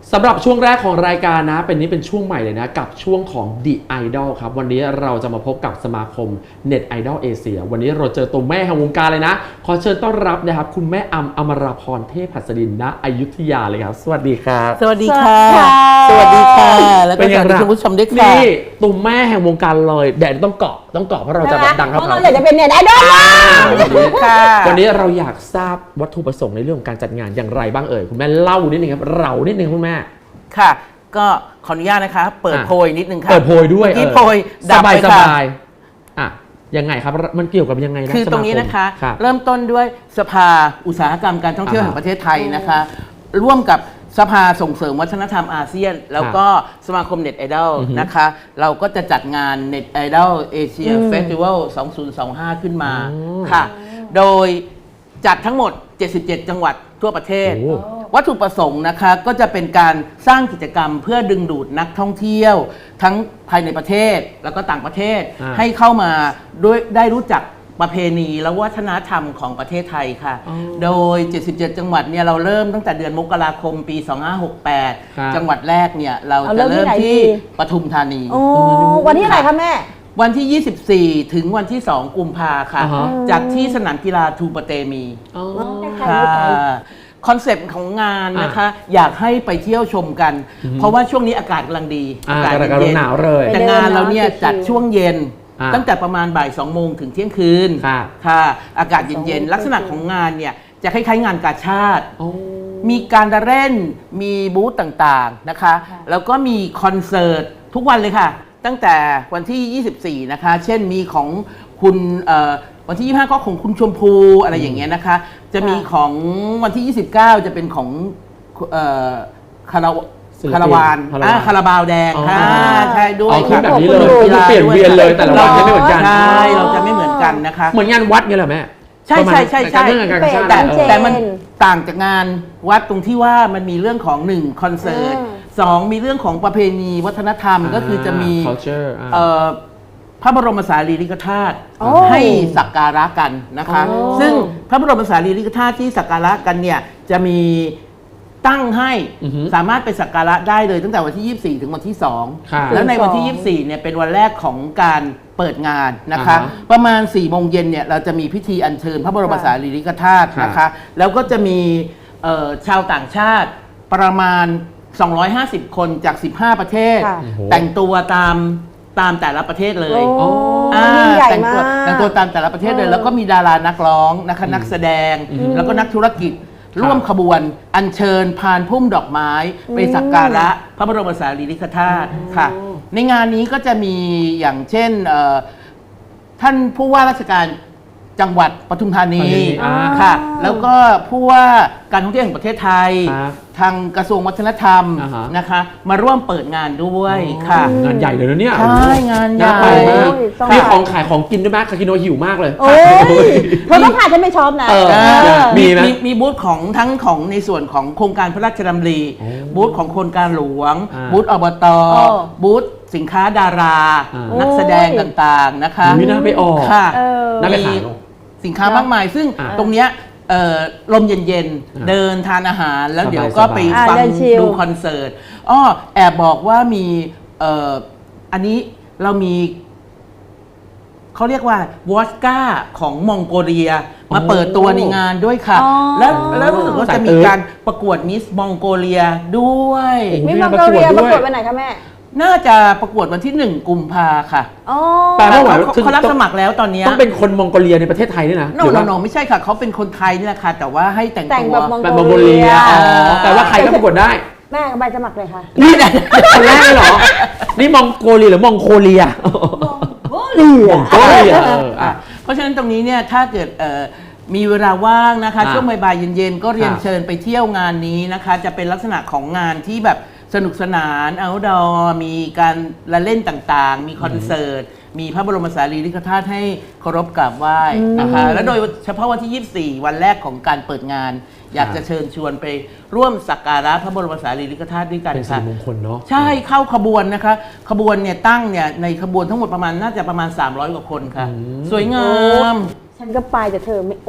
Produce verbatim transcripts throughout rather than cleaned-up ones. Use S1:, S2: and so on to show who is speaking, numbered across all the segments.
S1: สำหรับช่วงแรกของรายการนะเป็นนี้เป็นช่วงใหม่เลยนะกับช่วงของ The Idol ครับวันนี้เราจะมาพบกับสมาคม Net Idol เอเชียวันนี้เราเจอตัวแม่แห่งวงการเลยนะขอเชิญต้อนรับนะครับคุณแม่อำอมราพรเทพหัสดินณอยุธยาเลยครับสวัสดีครับ
S2: สวัสดีค่ะสวัสดีค่ะแล้วก็สวัสดีคุณผู้ชมด้วยค่ะ
S1: นี่ตัวแม่แห่งวงการเลยแดดต้องเกาะต้องเกาะเพราะเราจะแบบดังครับ
S3: เราอยากจะเป็นเน็ตไอดอล
S2: ค่ะ
S1: วันนี้เราอยากทราบวัตถุประสงค์ในเรื่องของการจัดงานอย่างไรบ้างเอ่ยคุณแม่เล่านิดนึงครับเรานิดนึงคุณแม่
S2: ค่ะก็ขออนุญาตนะคะเปิดโพยนิดนึงค่ะ
S1: เปิดโพยด้วย
S2: ที่โพยดับไปค่ะ
S1: สบายๆอ่ะยังไงครับมันเกี่ยวกับยังไงนะ
S2: คือตรงนี้นะคะเริ่มต้นด้วยสภาอุตสาหกรรมการท่องเที่ยวแห่งประเทศไทยนะคะร่วมกับสภาส่งเสริมวัฒนธรรมอาเซียนแล้วก็สมาคมเน็ตไอดอลนะคะเราก็จะจัดงานเน็ตไอดอลเอเชียเฟสติวัลสองพันยี่สิบห้าขึ้นมาค่ะโดยจัดทั้งหมดเจ็ดสิบเจ็ดจังหวัดทั่วประเทศวัตถุประสงค์นะคะก็จะเป็นการสร้างกิจกรรมเพื่อดึงดูดนักท่องเที่ยวทั้งภายในประเทศแล้วก็ต่างประเทศให้เข้ามาด้วยได้รู้จักประเพณีและวัฒนธรรมของประเทศไทยค่ะโดยเจ็ดสิบเจ็ดจังหวัดเนี่ยเราเริ่มตั้งแต่เดือนมกราคมปีสองพันห้าร้อยหกสิบแปดจังหวัดแรกเนี่ยเราจะเริ่มที่ปทุมธานี
S3: โอ้วันที่ไหนคะแม่
S2: วันที่ยี่สิบสี่ถึงวันที่สองกุมภาค่ะจากที่สนามกีฬาทูปะเตมีค่ะคอนเซปต์ของงานนะคะอยากให้ไปเที่ยวชมกันเพราะว่าช่วงนี้อากาศกำลังดี
S1: อากาศเย็นหนาวเลย
S2: แต่งานเราเนี่ยจัดช่วงเย็นตั้งแต่ประมาณบ่ายสองโมงถึงเที่ยงคืนค่ะอากาศเย็นๆลักษณะของงานเนี่ยจะคล้ายๆงานกาชาดมีการเล่นมีบูธต่างๆนะคะแล้วก็มีคอนเสิร์ตทุกวันเลยค่ะตั้งแต่วันที่ยี่สิบสี่นะคะเช่นมีของคุณวันที่ยี่สิบห้าก็ของคุณชมพูอะไรอย่างเงี้ยนะคะจะมีของวันที่ยี่สิบเก้าจะเป็นของคาราวคาราวานคาราบาวแดงค่ะใช่ด้วย
S1: ค่ะแบบนี้เลยคือเปลี่ยนเวียนเลยแต่ละวันจะไม่เหมือนกัน
S2: ใช่เราจะไม่เหมือนกันนะคะ
S1: เหมือนงานวัดไงเหรอแม่
S2: ใช่ใช่ใช่ใช่
S1: แต่
S2: แต่มันต่างจากงานวัดตรงที่ว่ามันมีเรื่องของหนึ่งคอนเสิร์ตสองมีเรื่องของประเพณีวัฒนธรรมก็คือจะมีพระบรมสารีริกธาตุให้สักการะกันนะคะซึ่งพระบรมสารีริกธาตุที่สักการะกันเนี่ยจะมีตั้งให้สามารถไปสักการะได้เลยตั้งแต่วันที่ยี่สิบสี่ถึงวันที่สองแล้วในวันที่ยี่สิบสี่เนี่ยเป็นวันแรกของการเปิดงานนะคะประมาณสี่โมงเย็นเนี่ยเราจะมีพิธีอัญเชิญพระบรมสารีริกธาตุนะคะแล้วก็จะมีชาวต่างชาติประมาณสองร้อยห้าสิบคนจากสิบห้าประเทศแต่งตัวตามตามแต่ละประเทศเลยแต่งตัวแต่งตัวตามแต่ละประเทศเลยแล้วก็มีดารานักร้องนะคะนักแสดงแล้วก็นักธุรกิจร่วมขบวนอัญเชิญพานพุ่มดอกไม้ไปสักการะพระบรมสารีริกธาตุค่ะในงานนี้ก็จะมีอย่างเช่นท่านผู้ว่าราชการจังหวัดปทุมธานีค่ะแล้วก็ผู้ว่าการท่องเที่ยวแห่งประเทศไทยทางกระทรวงวัฒนธรรมนะคะมาร่วมเปิดงานด้วยค่ะ
S1: งานใหญ่เลยนะเนี่ย
S2: ใช่งานใหญ่
S1: มีของขายของกินด้วยไหมคาคิโนหิวมากเลย
S3: เธอต้องพาฉันไปช็อปนะ
S2: มีมีบูธของทั้งของในส่วนของโครงการพระราชดำริบูธของโครงการหลวงบูธอบตบูธสินค้าดารานักแสดงต่างๆนะคะ
S1: น่าไปออก
S2: ค่ะ
S1: น่าไปขาย
S2: สินค้ามากมายซึ่งตรงเนี้ยลมเย็นๆเดินทานอาหารแล้วเดี๋ยวก็ไปฟังดูคอนเสิร์ตอ้อแอบบอกว่ามีอันนี้เรามีเขาเรียกว่าวอดก้าของมองโกเลียมาเปิดตัวในงานด้วยค่ะแล้วแล้วรู้สึกว่าจะมีการประกวดมิสมองโกเลียด้วย
S3: มิสมองโกเลียประกวดวันไหนคะแม่
S2: น่าจะประกวดวันที่หนึ่งกุมภาค่ะ
S1: แต่ว่า
S2: เขารับสมัครแล้วตอนนี้
S1: ต้องเป็นคนมองโกเลียในประเทศไทยนี่นะ
S2: โนโนโนไม่ใช่ค่ะเขาเป็นคนไทยนี่แหละค่ะแต่ว่าให้แต่งตัว
S3: แบบ
S1: มองโกเลียแต่ว่าใครก็ประกวดได้
S3: แม่ใบสมัครเลยค่ะ
S1: นี่คนแรกเลยเหรอนี่มองโกเลียหรือมองโคเลีย
S3: มองโกเลีย
S1: มองโกเลีย
S2: เพราะฉะนั้นตรงนี้เนี่ยถ้าเกิดมีเวลาว่างนะคะช่วงบ่ายเย็นๆก็เรียนเชิญไปเที่ยวงานนี้นะคะจะเป็นลักษณะของงานที่แบบสนุกสนานเอาท์ดอร์มีการละเล่นต่างๆมีคอนเสิร์ตมีพระบรมสารีริกธาตุให้เคารพกราบไหว้นะคะและโดยเฉพาะวันที่ยี่สิบสี่วันแรกของการเปิดงานอยากจะเชิญชวนไปร่วมสักการะพระบรมสารีริกธาตุด้วยกันค่ะ
S1: เป็นสิริมงคลเนาะ
S2: ใช่เข้าขบวนนะคะขบวนเนี่ยตั้งเนี่ยในขบวนทั้งหมดประมาณน่าจะประมาณสามร้อยกว่าคนค่ะสวยงาม
S3: ฉันก็ไปแต่เธอไม่อด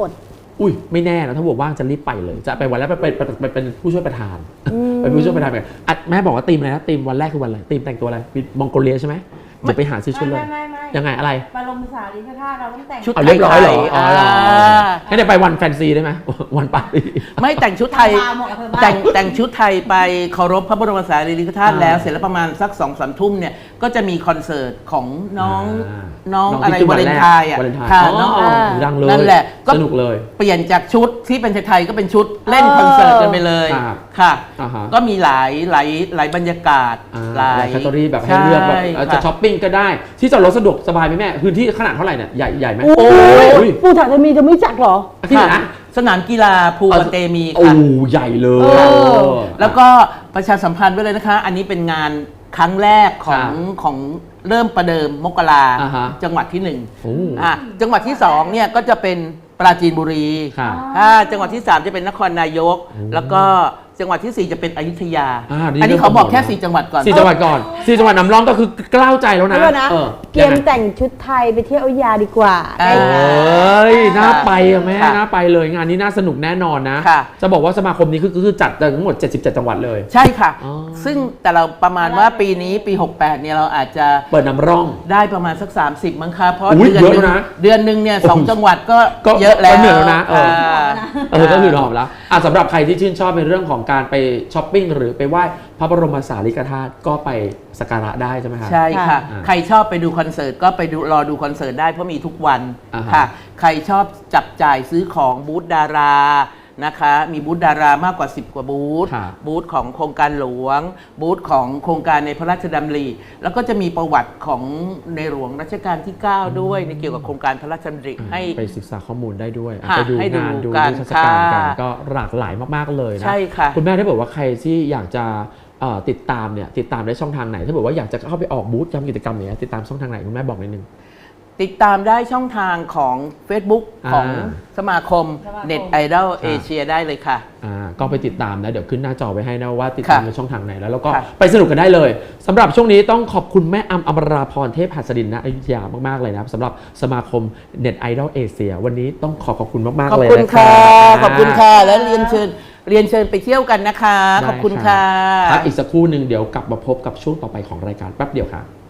S1: อุ้ยไม่แน่นะถ้าบอกว่างจะรีบไปเลยจะไปวันแรกไปเป็นเป็นเป็นผู้ช่วยประธานเป็นผู้ช่วยประธานแบบอ่ะแม่บอกว่าธีมอะไรนะธีมวันแรกคือวันอะไรธีมแต่งตัวอะไรมองโกเลียใช่ไหมจะไปหาซื้อชุดเลย
S3: ไม่ไม่ไม่
S1: ยังไงอะไร
S3: บรมสารีริกธาตุเราต้องแต่ง
S2: ชุด
S1: เอาเรียบร้อยเหรอ
S2: ไทยๆ
S1: อ๋อเหรอ
S2: อ่า
S1: งั้นเดี๋ยวไปวันแฟนซีได้ไหมวันปาร์ตี้
S2: ไม่แต่งชุดไทย
S3: มาหมดกับเธอบ้าน
S2: แต่งแต่งชุดไทยไปเคารพพระบรมสารีริกธาตุ
S1: อ่า
S2: แล้วเสร็จแล้วประมาณสักสองสามทุ่มเนี่ยก็จะมีคอนเสิร์ตของน้อง
S1: อ่า
S2: น้อง
S1: น้อง
S2: อะไร
S1: ที่
S2: วาเลนไทน์อ่ะ
S1: วาเลนไทน์
S2: ค่ะ
S1: อ๋อ
S2: น้อง
S1: อ๋อดังเลย
S2: นั่นแหละก็
S1: สนุกเลย
S2: เปลี่ยนจากชุดที่เป็นไทยๆก็เป็นชุดเล่นคอนเสิร์ตกันไปเลย
S1: ครับ
S2: ค่ะ
S1: อ่าฮะ
S2: ก็มีหลายหลายหลายบรรยากาศ
S1: อ่า
S2: หลา
S1: หลาย
S2: ย
S1: แคตตาล็อแบบให้เลือกแบบ
S2: ใช่
S1: เอ่อจะ
S2: ค่ะ
S1: ช้อปปิ้งก็ได้ที่จอดรถสะดวกสบายไหมแม่พื้นที่ขนาดเท่าไหร่เนี่ยใหญ่ใหญ่ไหม
S3: โอ้
S1: อุ้
S3: ยปูถังจะมีจะไม่จักเหรอ
S1: ที่ไหน
S2: ค่ะ
S1: นะ
S2: สนามกีฬาภูกระเตมี
S1: โอ้
S2: ค่ะ
S1: ใหญ่เลย
S3: เออ
S2: แล้วก็ประชาสัมพันธ์ไว้เลยนะคะ อันนี้เป็นงานครั้งแรกของ
S1: ครับ
S2: ของเริ่มประเดิมมกรา
S1: อ่าฮะ
S2: จังหวัดที่หนึ่ง
S1: โอ้
S2: อ่ะจังหวัดที่สองเนี่ยก็จะเป็นปราจีนบุรี
S1: ค่ะ
S2: อ่าจังหวัดที่สามจะเป็นนครนายก แล้วก็จังหวัดที่สี่จะเป็นอยุธยา
S1: อ่าดี
S2: อันนี้เขาบอกแค่
S1: เริ่ม
S2: สี่จังหวัดก่อน
S1: สี่จังหวัดก่อนสี่จังหวัดนำร่องก็คือกล้าวใจแล้วนะ
S3: แล้วนะ
S1: ออ
S3: เกมแต่งชุดไทยไปเที่ยวอยุธยาดีกว่า
S2: อ่า
S3: ได้
S1: เอ
S3: ค่ะ
S1: ้ยน่าไปอะแม่
S2: ค่ะ
S1: น่าไปเลยงานนี้น่าสนุกแน่นอนนะ
S2: ค่ะ
S1: จะบอกว่าสมาคมนี้คือคือจัดทั้งหมดเจ็ดสิบเจ็ดจังหวัดเลย
S2: ใช่ค่ะ
S1: อ๋อ
S2: ซึ่งแต่เราประมาณว่าปีนี้ปี หกแปดเนี่ยเราอาจจะ
S1: เปิดนำร่อง
S2: ได้ประมาณสัก สามสิบมั้งคะเพราะ
S1: อุ๊ย
S2: เดือนห
S1: เย
S2: นึ
S1: อะ
S2: ง
S1: นะ
S2: เดือนหนึ่งเนี่ยสองจังหวัดก็
S1: ก็
S2: เยอะแล้ว
S1: ก็เหนื่อยแล้วนะเออ
S2: ค่ะ
S1: เออก็คือหอมแล้วอ่ะสำหรับใครที่ชื่นชอบในเรื่องของการไปช้อปปิ้งหรือไปไหว้พระบรมสารีริกธาตุก็ไปสักการะได้ใช่ไหมครับ
S2: ใช่ค่ะ
S1: อ่า
S2: ใครชอบไปดูคอนเสิร์ตก็ไปดูรอดูคอนเสิร์ตได้เพราะมีทุกวัน
S1: อ่าฮะ
S2: ค่ะ ใครชอบจับจ่ายซื้อของบูธดารานะคะ มีบูธดารามากกว่า สิบ กว่าบูธ
S1: ครับ
S2: บูธของโครงการหลวง บูธของโครงการในพระราชดำริแล้วก็จะมีประวัติของในหลวงรัชกาลที่ เก้า ด้วยในเกี่ยวกับโครงการพระราชดำริให้
S1: ไปศึกษาข้อมูลได้ด้วยอ่ะ
S2: ค่ะ
S1: ไปดู
S2: ให้ดู
S1: งานดู
S2: กัน
S1: นิทรรศการกัน
S2: ค่ะ
S1: ก็หลากหลายมากๆเลยนะ
S2: ใช่ค่ะ
S1: คุณแม่ได้บอกว่าใครที่อยากจะเอ่อติดตามเนี่ยติดตามได้ช่องทางไหนถ้าบอกว่าอยากจะเข้าไปออกบูธทำกิจกรรมเนี้ยติดตามช่องทางไหนคุณแม่บอกนิดนึง
S2: ติดตามได้ช่องทางของ Facebook
S1: อ่า
S2: ของสมาคม
S3: สมาคม
S2: เน็ตไอดอล
S1: ครับ
S2: เอเชียได้เลยค่ะ
S1: อ่าก็ไปติดตามนะเดี๋ยวขึ้นหน้าจอไว้ให้นะว่าติดตาม
S2: ค่ะ
S1: ในช่องทางไหนแล้วแล้วก็
S2: ค่ะ
S1: ไปสนุกกันได้เลยสำหรับช่วงนี้ต้องขอบคุณแม่อำอมราพรเทพหัสดินณอยุธยามากๆเลยนะครับสำหรับสมาคมเน็ตไอดอลเอเชียวันนี้ต้องขอขอบคุณมาก
S2: ข
S1: ๆ
S2: อบ
S1: เลย
S2: คุณ
S1: นะ
S2: ค่ะ
S1: รับ
S2: ขอบคุณค่ะ แล้วเรียนเชิญเรียนเชิญไปเที่ยวกันนะคะ
S1: ได้
S2: ขอบคุณค่ะ
S1: พักอีกสักครู่หนึ่งเดี๋ยวกลับมาพบกับช่วงต่อไปของรายการแป๊บเดียวครับ